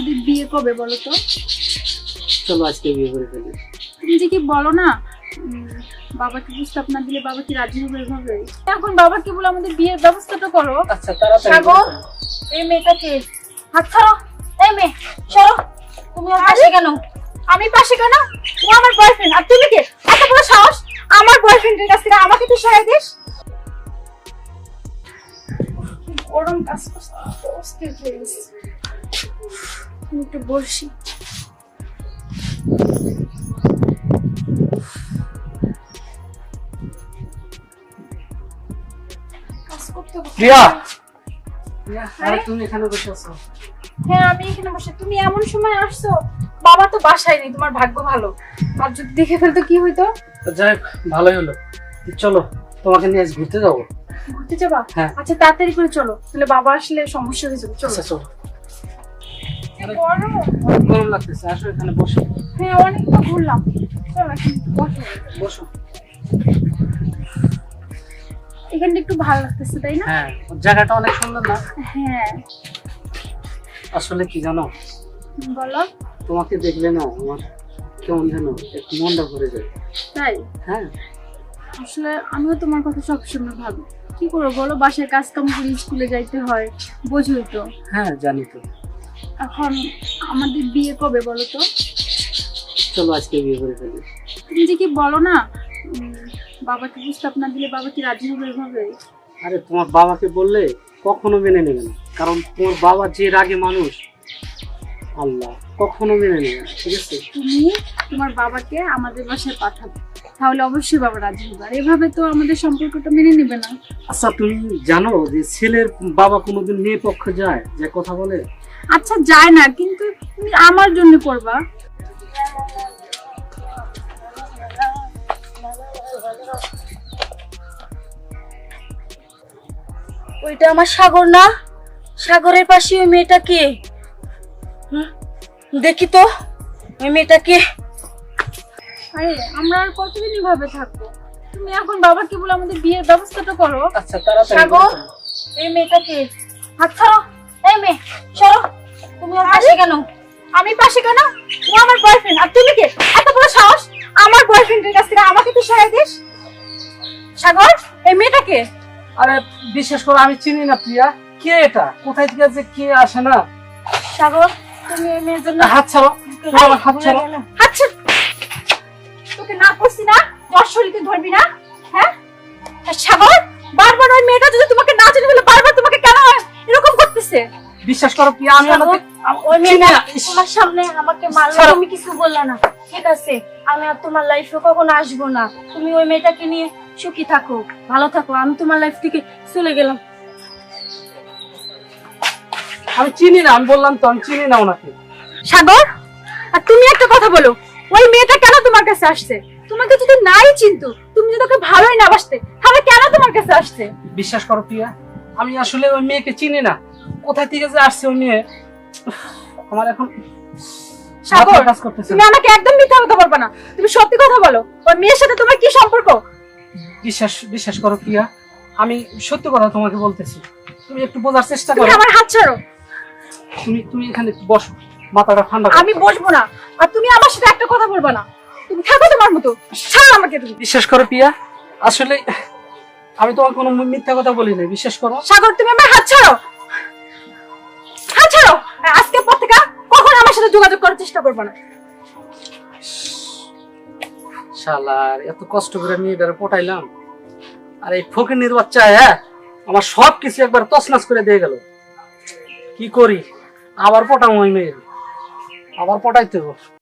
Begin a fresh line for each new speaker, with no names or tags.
আমাদের বিয়ে কবে বলো তো?
চলো আজকে বিয়ে করে ফেলি।
তুমি যে কি বলো না, বাবাকে প্রস্তাব না দিলে বাবা কি রাজি হবে এভাবে? এখন বাবাকে বলে আমাদের বিয়ের ব্যবস্থাটা করো।
আচ্ছা তাড়াতাড়ি
সাগর, এই মেয়েটাকে হাত ছাড়ো। এই মেয়ে সরো। তুমি ওর পাশে কেন?
আমি পাশে কেন? ও আমার বয়ফ্রেন্ড, আর তুমি কে? এত বড় সাহস আমার বয়ফ্রেন্ডের কাছ থেকে আমাকে তুই সহায় দিস? গরম কাজ করতে অস্থির হয়ে গেছে। আমি একটু বসি। কাজ করতে হবে।
প্রিয়া, আরে তুমি এখানে বসে আছো?
হ্যাঁ আমি এখানে বসে। তুমি এমন সময় আসছো, বাবা তো বাসায় নেই। তোমার ভাগ্য ভালো, আর যদি দেখে ফেলতো কি হইতো?
যাই হোক, ভালোই হলো। চলো তোমাকে নিয়ে আজ ঘুরতে যাবো।
ঘুরতে যাবা?
হ্যাঁ।
আচ্ছা তাড়াতাড়ি করে চলো, তাহলে বাবা আসলে সমস্যা হয়ে যাবে। চলো।
আচ্ছা চলো।
গরম।
অনেক গরম লাগতেছে, আসো এখানে বসো।
হ্যাঁ অনেকটা ঘুরলাম, চলো এখন বসো।
বসো।
এখানটা একটু ভালো লাগতেছে তাই না?
হ্যাঁ, জায়গাটা অনেক সুন্দর না?
হ্যাঁ
আসলে কি জানো,
বলো।
তোমাকে দেখলে না আমার কেমন যেন একটু মনটা ভরে যায়।
তাই?
হ্যাঁ।
আসলে আমিও তোমার কথা সবসময় ভাবি, কি করবো বলো, বাসায় কাজ কাম করে স্কুলে যাইতে হয়, বোঝোই তো।
হ্যাঁ জানি তো।
এখন আমাদের বিয়ে কবে বলো তো?
চলো আজকে বিয়ে করে ফেলি।
তুমি যে কি বলো না, বাবাকে প্রস্তাব না দিলে বাবা কি রাজি হবে এভাবে?
আরে তোমার বাবাকে বললে কখনো মেনে নেবে না, কারণ তোমার বাবা যে রাগে মানুষ, আল্লাহ কখনো মেনে নেবে না। ঠিক আছে,
তুমি তোমার বাবাকে আমাদের বাসায় পাঠাবে, তাহলে অবশ্যই বাবা রাজি হবে। আর এভাবে তো আমাদের সম্পর্কটা মেনে নেবে না।
আচ্ছা তুমি জানো যে ছেলের বাবা কোনোদিন মেয়ে পক্ষে যায়, যে কথা বলে?
আচ্ছা যায় না, কিন্তু তুমি আমার জন্য করবা।
ওইটা আমার সাগর না? সাগরের পাশে ওই মেয়েটা কে? দেখি তো ওই মেয়েটা কে।
আরে আমরা আর কতদিন এভাবে থাকবো? তুমি এখন বাবাকে বলে আমাদের বিয়ের ব্যবস্থাটা করো।
আচ্ছা তাড়াতাড়ি
সাগর,
বলো।
এই মেয়েটা কে? হাত ছাড়ো। এই মেয়ে সরো। তুমি ওর পাশে কেন?
আমি পাশে কেন? ও আমার বয়ফ্রেন্ড, আর তুমি কে? এত বড় সাহস আমার বয়ফ্রেন্ডের কাছ থেকে আমাকে তুই সহায় দিস? সাগর, এই মেয়েটা কে?
আরে বিশেষ করে আমি চিনি না প্রিয়া, কে এটা, কোথায় থেকে যে কে আসে না।
সাগর, তুমি এই মেয়ের জন্য
হাত ছাড়ো, তুমি আমার হাত ছাড়ো।
আচ্ছা তোকে না করছি না, তোর শরীরকে ধরবি না? হ্যাঁ আর সাগর, বারবার ওই মেয়েটা যদি তোমাকে না চিনি বলে বারবার তোমাকে কেন এরকম করতেছে?
বিশ্বাস করো প্রিয়া, আমি
সাগর, ওই
চিনি
মেয়েটা
না।
তোমার সামনে আমাকে মারলো,
ছাড়ো।
তুমি কিছু বললে না। ঠিক আছে, আমি আর তোমার লাইফে কখনো আসবো না। তুমি ওই মেয়েটাকে নিয়ে সুখী থাকো, ভালো থাকো। আমি তোমার লাইফ থেকে চলে গেলাম।
আমি চিনি না, আমি বললাম তো আমি চিনি না ওনাকে।
সাগর, আর তুমি একটা কথা বলো, ওই মেয়েটা কেন তোমার কাছে আসছে? তোমাকে যদি নাই চিনতো, তুমি যদি ওকে ভালোই না বাসতে, তাহলে কেন তোমার কাছে আসছে?
বিশ্বাস করো প্রিয়া, আমি আসলে ওই মেয়েকে চিনি না, কোথায় থেকে যে আসছে ওই মেয়ে, আমার এখন
সাগর,
মাথায় কাজ করতেছে
তুমি
না।
আমাকে একদম মিথ্যা কথা বলবা না, তুমি সত্যি কথা বলো। ওই মেয়ের সাথে তোমার কি সম্পর্ক?
বিশ্বাস করো প্রিয়া, আমি সত্যি কথা তোমাকে বলতেছি, তুমি একটু বোঝার চেষ্টা
তুমি
করো।
আমার হাত ছাড়ো।
তুমি এখানে একটু বসো, মাথাটা ঠান্ডা করো।
আমি বসবো না, আর তুমি আমার সাথে একটা কথা বলবা না। তুমি থাকো তোমার মতো, ছাড়ো আমাকে তুমি।
বিশ্বাস করো প্রিয়া, আসলে আমি তোমার কোনো মিথ্যা কথা বলি না, বিশ্বাস করো।
সাগর, তুমি আমার হাত ছাড়ো, হাত ছাড়ো। আর আজকের পর থেকে কখনো আমার সাথে যোগাযোগ করার চেষ্টা করবে না।
শালার এত কষ্ট করে মেয়েটারে পটাইলাম, আর এই ফকিনীর বাচ্চা হ্যাঁ আমার সব কিছু একবার তছনছ করে দিয়ে গেল। কি করি, আবার পটাম ওই মেয়ের, আবার পটাইতে হবে।